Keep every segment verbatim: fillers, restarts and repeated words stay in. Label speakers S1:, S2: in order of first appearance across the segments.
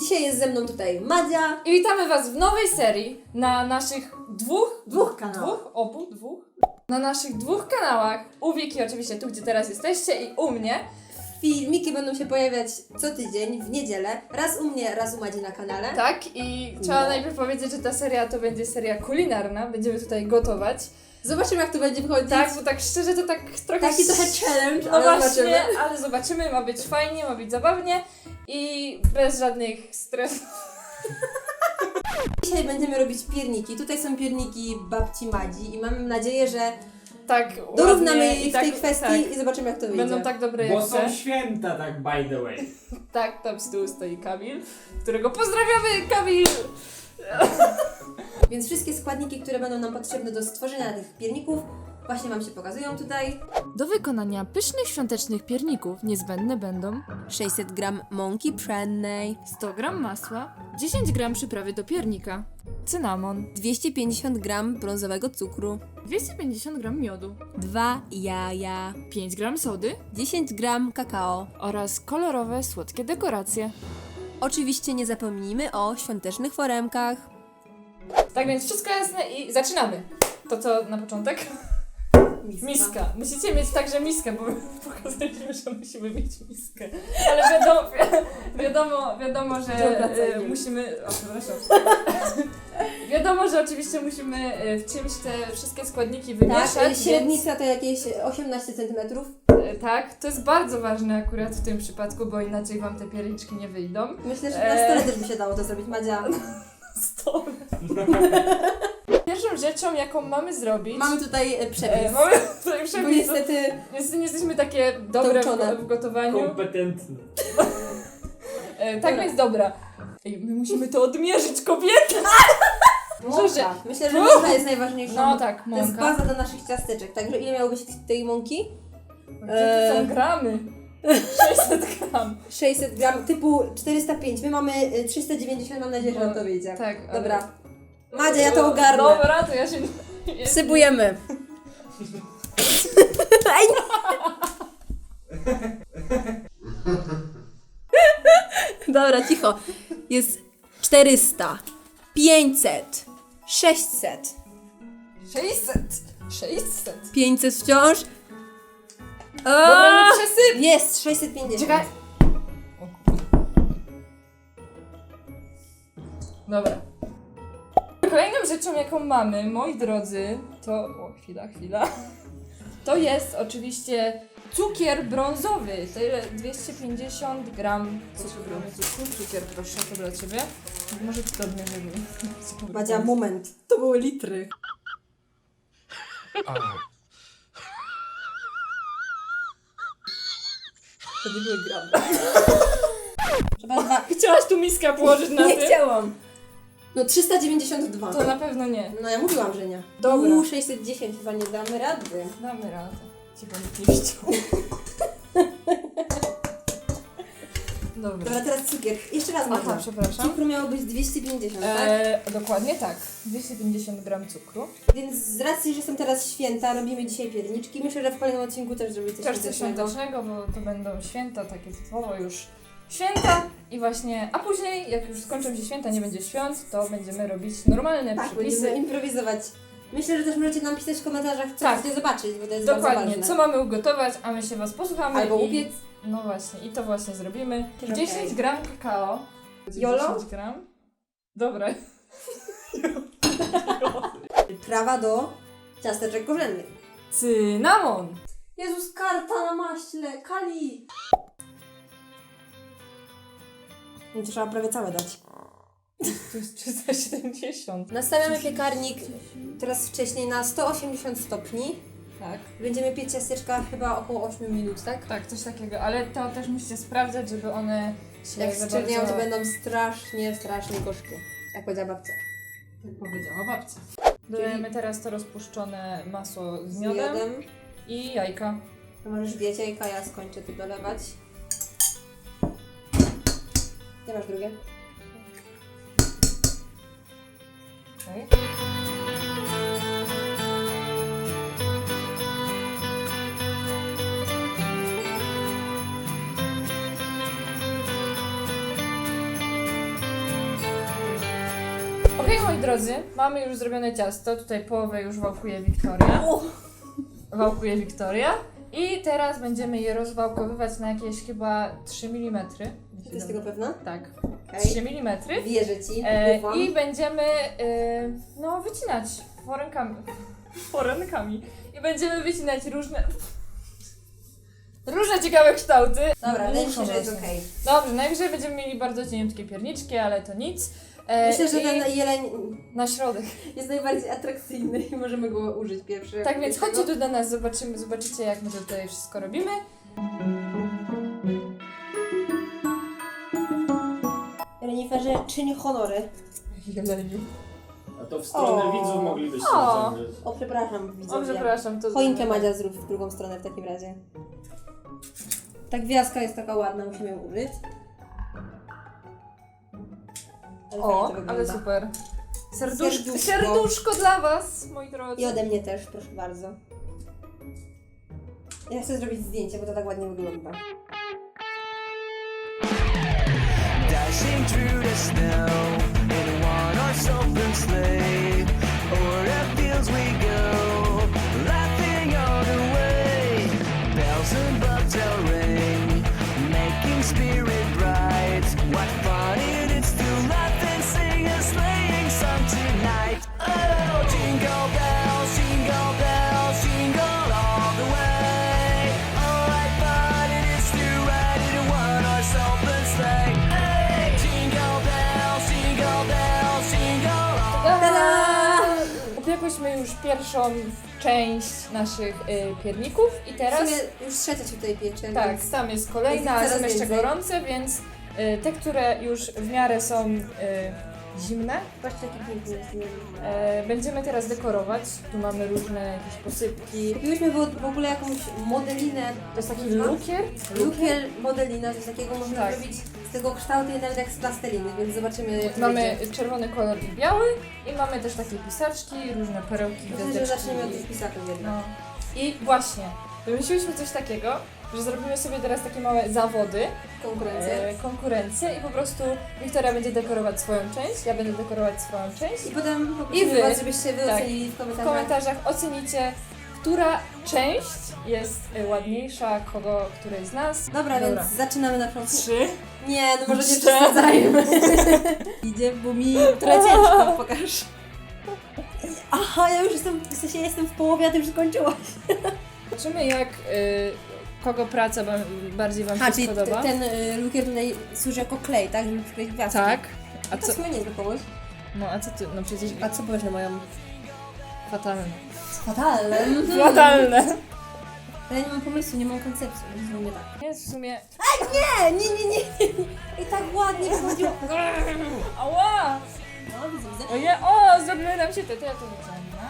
S1: Dzisiaj jest ze mną tutaj Madzia.
S2: I witamy Was w nowej serii na naszych dwóch,
S1: Dwóch kanałach.
S2: dwóch, obu, dwóch, na naszych dwóch kanałach. U Wiki oczywiście tu, gdzie teraz jesteście i u mnie.
S1: Filmiki będą się pojawiać co tydzień, w niedzielę. Raz u mnie, raz u Madzi na kanale.
S2: Tak, i trzeba
S1: No.
S2: najpierw powiedzieć, że ta seria to będzie seria kulinarna. Będziemy tutaj gotować.
S1: Zobaczymy, jak to będzie wychodzić.
S2: Tak, bo tak szczerze to tak trochę...
S1: Taki trochę challenge,
S2: No
S1: ale
S2: właśnie,
S1: zobaczymy.
S2: ale zobaczymy. Ma być fajnie, ma być zabawnie i bez żadnych stresów.
S1: Dzisiaj będziemy robić pierniki. Tutaj są pierniki babci Madzi i mam nadzieję, że
S2: Tak,
S1: dorównamy
S2: ładnie
S1: jej
S2: i
S1: w
S2: tak,
S1: tej kwestii
S2: tak.
S1: i zobaczymy, jak to wyjdzie.
S2: Będą tak dobre
S3: Bo
S2: jak
S3: są
S2: chcę.
S3: święta, tak by the way.
S2: Tak, tam z tyłu stoi Kamil, którego pozdrawiamy, Kamil!
S1: Więc wszystkie składniki, które będą nam potrzebne do stworzenia tych pierników, właśnie Wam się pokazują tutaj.
S4: Do wykonania pysznych świątecznych pierników niezbędne będą
S1: sześćset gram mąki pszennej,
S4: sto gram masła, dziesięć gram przyprawy do piernika, cynamon,
S1: dwieście pięćdziesiąt gram brązowego cukru,
S4: dwieście pięćdziesiąt gram miodu,
S1: dwa jaja,
S4: pięć gram sody
S1: dziesięć gram kakao.
S4: oraz kolorowe, słodkie dekoracje.
S1: Oczywiście nie zapomnijmy o świątecznych foremkach.
S2: Tak więc wszystko jasne i zaczynamy. To co na początek?
S1: Miska.
S2: Miska. Musicie mieć także miskę, bo pokazaliśmy, że musimy mieć miskę. Ale wiadomo, wiadomo, wiadomo że
S1: Dobra, co
S2: e,
S1: idziemy.
S2: musimy... O, przepraszam. Wiadomo, że oczywiście musimy e, w czymś te wszystkie składniki wymieszać.
S1: Tak,
S2: więc-
S1: średnica to jakieś osiemnaście centymetrów.
S2: E, Tak, to jest bardzo ważne akurat w tym przypadku, bo inaczej Wam te pierniczki nie wyjdą.
S1: Myślę, że na
S2: Eee.
S1: stole też by się dało to zrobić, Madzia.
S2: Stole. Pierwszą rzeczą, jaką mamy zrobić...
S1: Mamy tutaj e,
S2: e,
S1: przepis,
S2: mamy tutaj
S1: bo
S2: przepis.
S1: niestety
S2: Niestety nie jesteśmy takie dobre
S1: Douczone.
S2: w, w gotowaniu.
S3: Kompetentny.
S2: E, tak
S1: Dobra.
S2: więc dobra. Ej, my musimy to odmierzyć, kobieta!
S1: mąka. Myślę, że mąka jest najważniejsza.
S2: No tak,
S1: To jest
S2: mąka.
S1: baza do naszych ciasteczek, także ile miało być tej mąki?
S2: Gdzie to są gramy? sześćset gram.
S1: sześćset gram, typu czterysta pięć. My mamy e, trzysta dziewięćdziesiąt, mam nadzieję, że nam to wyjdzie.
S2: Tak, ale-
S1: Dobra. Madzia, ja to ogarnę.
S2: Dobra, to ja się... Ja się-
S1: Sypujemy. Dobra, cicho. Jest czterysta, pięćset, sześćset,
S2: sześćset. sześćset.
S1: pięćset wciąż.
S2: Dobra,
S1: O!
S2: nie przesyp.
S1: Jest sześćset pięćdziesiąt.
S2: Czekaj. Dobra. Kolejną rzeczą, jaką mamy, moi drodzy, to... O, chwila, chwila. To jest oczywiście cukier brązowy. To ile? dwieście pięćdziesiąt gram cukru. Cukru, cukier, proszę, to dla Ciebie. Może Ty to odmierzymy.
S1: Madzia, moment. To były litry.
S2: To nie były gramy.
S1: Trzeba dwa.
S2: Chciałaś tu miskę położyć na
S1: Nie
S2: tym?
S1: chciałam. No trzysta dziewięćdziesiąt dwa.
S2: To na pewno nie.
S1: No ja mówiłam, że nie.
S2: Dobra.
S1: Uuu, sześćset dziesięć, chyba nie damy rady.
S2: Damy radę. Ciebie nikt nie widział. Dobra.
S1: Dobra, teraz cukier. Jeszcze raz
S2: Aha,
S1: Madzia.
S2: przepraszam.
S1: Cukru miało być dwieście pięćdziesiąt, tak?
S2: E, dokładnie tak. dwieście pięćdziesiąt gram cukru.
S1: Więc z racji, że są teraz święta, robimy dzisiaj pierniczki. Myślę, że w kolejnym odcinku też zrobię coś
S2: Też coś
S1: świątecznego.
S2: świątecznego, bo to będą święta, takie typowo już święta i właśnie, a później jak już skończą się święta, nie będzie świąt, to będziemy robić normalne
S1: Tak,
S2: przepisy.
S1: będziemy improwizować. Myślę, że też możecie nam pisać w komentarzach, co
S2: Tak.
S1: chcecie zobaczyć, bo to jest bardzo
S2: Dokładnie,
S1: ważne.
S2: co mamy ugotować, a my się Was posłuchamy.
S1: Albo
S2: i...
S1: upiec.
S2: No właśnie, i to właśnie zrobimy.
S1: Okej.
S2: dziesięć gram kakao.
S1: Jolo?
S2: dziesięć gram. Dobra.
S1: Prawa do ciasteczek korzennych.
S2: Cynamon.
S1: Jezus, karta na maśle, kali! No to trzeba prawie całe dać.
S2: To jest trzysta siedemdziesiąt.
S1: Nastawiamy piekarnik teraz wcześniej na sto osiemdziesiąt stopni.
S2: Tak.
S1: Będziemy piec ciasteczka chyba około osiem minut, tak?
S2: Tak, coś takiego, ale to też musicie sprawdzać, żeby one się
S1: Jak
S2: za
S1: strzelią,
S2: bardzo...
S1: to będą strasznie, strasznie gorzkie. Jak powiedziała babcia.
S2: Jak powiedziała babcia. Dodajemy teraz to rozpuszczone masło z miodem,
S1: Z miodem.
S2: i jajka.
S1: To możesz wiecie, jajka, ja skończę tu dolewać. Gdzie masz drugie?
S2: Okay. Moi drodzy, mamy już zrobione ciasto. Tutaj połowę już wałkuje Wiktoria. Wałkuje Wiktoria. I teraz będziemy je rozwałkowywać na jakieś chyba trzy milimetry.
S1: Ty jest tego pewna?
S2: Tak,
S1: Okej.
S2: trzy milimetry.
S1: Wierzę ci,
S2: E,
S1: ufam.
S2: I będziemy e, no wycinać foremkami. Foremkami. I będziemy wycinać różne różne ciekawe kształty.
S1: Dobra, wydaje mi
S2: Muszą
S1: się, że jest
S2: rosnąć.
S1: okej.
S2: Dobrze, najwyżej będziemy mieli bardzo cieniutkie pierniczki, ale to nic. E,
S1: Myślę, że
S2: i
S1: ten jeleń
S2: na środek.
S1: jest najbardziej atrakcyjny i możemy go użyć pierwszy.
S2: Tak więc
S1: pierwszego.
S2: chodźcie tu do nas, zobaczymy, zobaczycie jak my tutaj wszystko robimy.
S1: Reniferze, czyń honory.
S2: Jeleniu.
S3: A to w stronę
S1: O.
S3: widzów moglibyście
S2: O.
S3: wyciągnąć.
S1: O, przepraszam,
S2: O,
S1: widzowie.
S2: przepraszam, to...
S1: Choinkę Madzia zrób w drugą stronę w takim razie. Ta gwiazdka jest taka ładna, musimy ją użyć. Ale fajnie
S2: O,
S1: to wygląda.
S2: ale super. Serduszko.
S1: Serduszko.
S2: Serduszko dla was, moi drodzy.
S1: I ode mnie też, proszę bardzo. Ja chcę zrobić zdjęcie, bo to tak ładnie wygląda.
S5: Dashing through the snow in a one-horse open sleigh. O'er the fields we go, laughing all the way. Bells and bobtail ring, making spirit bright. What fun it is to laugh and sing a sleighing song tonight. Oh, jingle bells, jingle bells, jingle all the way. Oh, what fun it is to ride in a one-horse open sleigh. Hey, jingle bells, jingle bells, jingle all the way.
S2: Upiekłyśmy już pierwszą część naszych y, pierników i
S1: W
S2: teraz...
S1: sumie już trzecia się tutaj piecze,
S2: Tak,
S1: więc
S2: tam jest kolejna,
S1: jest
S2: ale są
S1: coraz
S2: jeszcze
S1: więcej.
S2: gorące, więc y, te, które już w miarę są y, zimne,
S1: patrzcie jaki piękny jest.
S2: y, będziemy teraz dekorować. Tu mamy różne jakieś posypki.
S1: Kupiłyśmy w w ogóle jakąś modelinę.
S2: To jest taki
S1: nazywa?
S2: lukier.
S1: Lukier modelina, coś takiego można
S2: Tak.
S1: zrobić z tego kształtu i nawet jak z plasteliny, więc zobaczymy jak to
S2: Mamy
S1: wyjdzie.
S2: czerwony kolor i biały i mamy też takie pisaczki, różne perełki,
S1: Myślę, że
S2: gwiazdeczki.
S1: zaczniemy od tych pisaków jednak.
S2: No. I właśnie, wymyśliłyśmy coś takiego, że zrobimy sobie teraz takie małe zawody,
S1: Konkurencję.
S2: e, konkurencje i po prostu Wiktoria będzie dekorować swoją część, ja będę dekorować swoją część.
S1: I potem
S2: I
S1: poprosimy
S2: wy.
S1: was, żebyście wy
S2: Tak.
S1: ocenili w
S2: W
S1: komentarzach.
S2: komentarzach ocenicie, która część jest e, ładniejsza, kogo, której z nas.
S1: Dobra,
S2: Dobra.
S1: więc zaczynamy naszą...
S2: Trzy.
S1: Nie, no może nie
S2: Cztery.
S1: przesadzajmy. Idzie, bo mi trochę ciężko, pokaż. Aha, ja już jestem, w sensie jestem w połowie, a ty już skończyłaś.
S2: Zobaczymy jak, y, kogo praca wam, bardziej wam
S1: A,
S2: się
S1: czyli
S2: spodoba.
S1: ten y, lukier tutaj służy jako klej, tak? Żeby przykleić gwiazdki.
S2: Tak. A
S1: A to
S2: co,
S1: w sumie niezły pomysł.
S2: no a co ty, no przecież
S1: A co powiesz na moją...
S2: fatalne.
S1: Fatalne.
S2: Fatalne.
S1: Ale ja nie mam pomysłu, nie mam koncepcji, więc zrobię tak.
S2: Jest w sumie...
S1: Nie, nie, nie, nie, nie. I tak ładnie wychodziło.
S2: Ała!
S1: No, widzę, widzę.
S2: Oje, o, zrobiły nam się te, to ja to wyciągnę.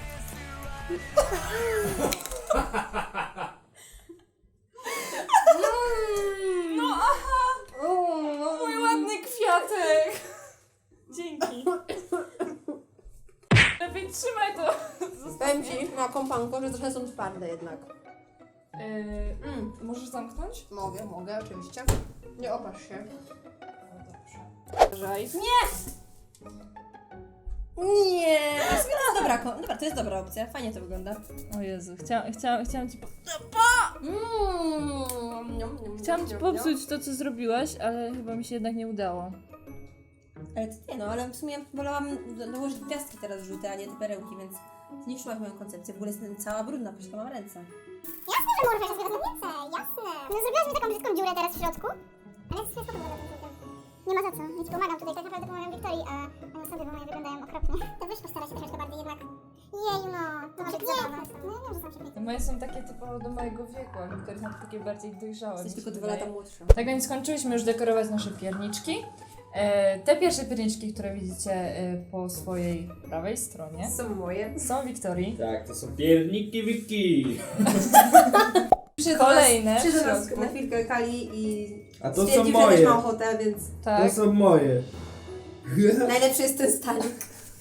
S2: No aha! Mój ładny kwiatek! Dzięki. Lepiej trzymaj to.
S1: Powiem ci na kompanko, że trochę są twarde jednak.
S2: Yy,
S1: Mm.
S2: możesz zamknąć?
S1: Mogę, mogę, oczywiście. Nie opatrz się.
S2: Żaj.
S1: Nie! To jest dobra, ko- dobra, to jest dobra opcja, fajnie to wygląda.
S2: O Jezu, chciałam, chciałam, chciałam ci, po-
S1: Mm. Niam, niam,
S2: chciałam ci
S1: niam,
S2: popsuć to, co zrobiłaś, ale chyba mi się jednak nie udało.
S1: niam. Ale to nie no, ale w sumie wolałam do- dołożyć gwiazdki teraz żółte, a nie te perełki, więc zniszczyłaś moją koncepcję. W ogóle jestem cała brudna, przecież mam ręce.
S6: Jasne, że możesz, ja sobie wezmę więcej, jasne. No zrobiłaś mi taką brzydką dziurę teraz w środku, ale jest spoko wygląda ten cukier. Nie ma za co, ja ci pomagam tutaj, tak naprawdę pomagam Wiktorii, a a osoby, bo moje wyglądają okropnie. To weź postaraj się troszeczkę bardziej jednak. Jeju no, to może być zabawa. No ja wiem, że są przepiękne.
S2: Moje są takie typowo do mojego wieku, a Wiktoria są takie bardziej dojrzałe.
S1: Jesteś
S2: mi się
S1: tylko dwa
S2: wydaje.
S1: lata młodsza.
S2: Tak więc skończyliśmy już dekorować nasze pierniczki. E, te pierwsze pierniczki, które widzicie e, po swojej prawej stronie,
S1: Są moje.
S2: są Wiktorii.
S3: Tak, to są pierniki wiki.
S1: Przyszedł do
S2: Kolejne
S1: nas,
S2: w
S1: przyszedł do nas
S2: środku.
S1: na chwilkę Kali i
S3: A to są
S1: stwierdził, że też
S3: moje.
S1: ma ochotę, więc
S2: Tak.
S3: To są moje.
S1: najlepszy jest ten stanik.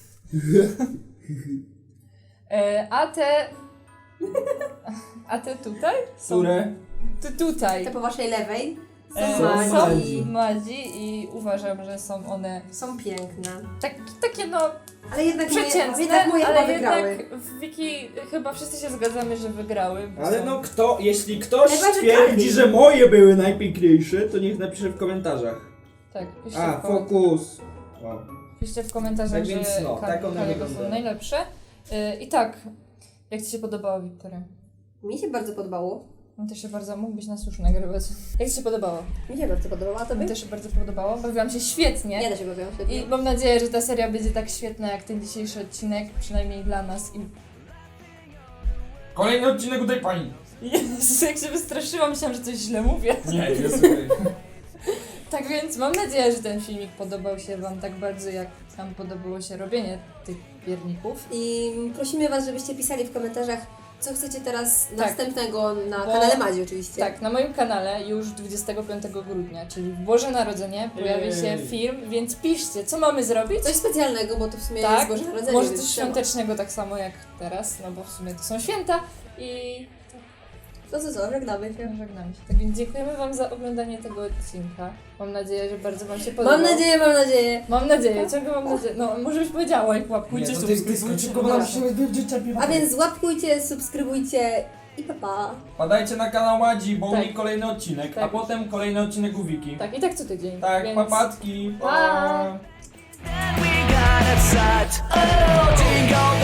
S2: E, a te... A te tutaj? Są,
S3: Które?
S2: te tutaj.
S1: Te po waszej lewej
S2: E,
S1: Są
S2: są
S1: Madzi.
S2: Madzi i uważam, że są one
S1: Są piękne.
S2: tak, takie no
S1: Ale jednak moje,
S2: przeciętne,
S1: jednak moje chyba
S2: ale
S1: wygrały.
S2: jednak w Wiki chyba wszyscy się zgadzamy, że wygrały. bo
S3: Ale
S2: są-
S3: no kto, jeśli ktoś
S1: Najbardziej
S3: twierdzi,
S1: Kali.
S3: że moje były najpiękniejsze, to niech napisze w komentarzach.
S2: Tak, piszcie,
S3: A,
S2: w, kom-
S3: fokus. Wow.
S2: piszcie w komentarzach,
S3: Tak więc
S2: że
S3: no,
S2: Ka-
S3: tak one
S2: Kaliego są
S3: wyglądają.
S2: najlepsze. Y, I tak, jak Ci się podobało, Wiktoria?
S1: Mi się bardzo podobało.
S2: Mi też się bardzo, mógłbyś nas już nagrywać. Jak Ci się podobało?
S1: Mi się bardzo podobało, a
S2: Mi
S1: tobie?
S2: też się bardzo podobało, bawiłam się świetnie.
S1: Ja też się bawiłam świetnie.
S2: I mam nadzieję, że ta seria będzie tak świetna jak ten dzisiejszy odcinek, przynajmniej dla nas. I
S7: Kolejny odcinek u tej pani.
S2: Jezus, jak się wystraszyłam, myślałam, że coś źle mówię.
S7: Nie, jest okej.
S2: Tak więc mam nadzieję, że ten filmik podobał się Wam tak bardzo, jak nam podobało się robienie tych pierników.
S1: I prosimy Was, żebyście pisali w komentarzach, co chcecie teraz
S2: Tak.
S1: następnego na
S2: Bo-
S1: kanale Madzi oczywiście.
S2: Tak, na moim kanale już dwudziestego piątego grudnia, czyli w Boże Narodzenie, pojawi się
S3: Jej.
S2: film, więc piszcie, co mamy zrobić.
S1: Coś specjalnego, bo to w sumie
S2: Tak,
S1: jest Boże Narodzenie.
S2: Może
S1: więc
S2: coś
S1: trzeba.
S2: świątecznego tak samo jak teraz, no bo w sumie to są święta i
S1: To co, co, żegnamy się.
S2: żegnamy się. Tak więc dziękujemy Wam za oglądanie tego odcinka. Mam nadzieję, że bardzo Wam się podobał.
S1: Mam nadzieję, mam nadzieję.
S2: Mam nadzieję, ciągle mam nadzieję. No, może byś powiedziała, jak łapkujcie,
S7: Nie, to ty- ty
S2: subskrybujcie.
S7: skończył,
S2: bo
S7: bo
S2: nam
S7: nam
S2: się...
S7: będzie czepiał.
S1: A więc łapkujcie, subskrybujcie i pa pa.
S7: Padajcie na kanał Madzi, bo u
S2: Tak.
S7: niej kolejny odcinek, a
S2: Tak.
S7: potem kolejny odcinek u Wiki.
S2: Tak, i tak co tydzień.
S7: Tak,
S2: więc...
S7: papatki.
S2: Pa!
S5: We got a sight. Oh, jingle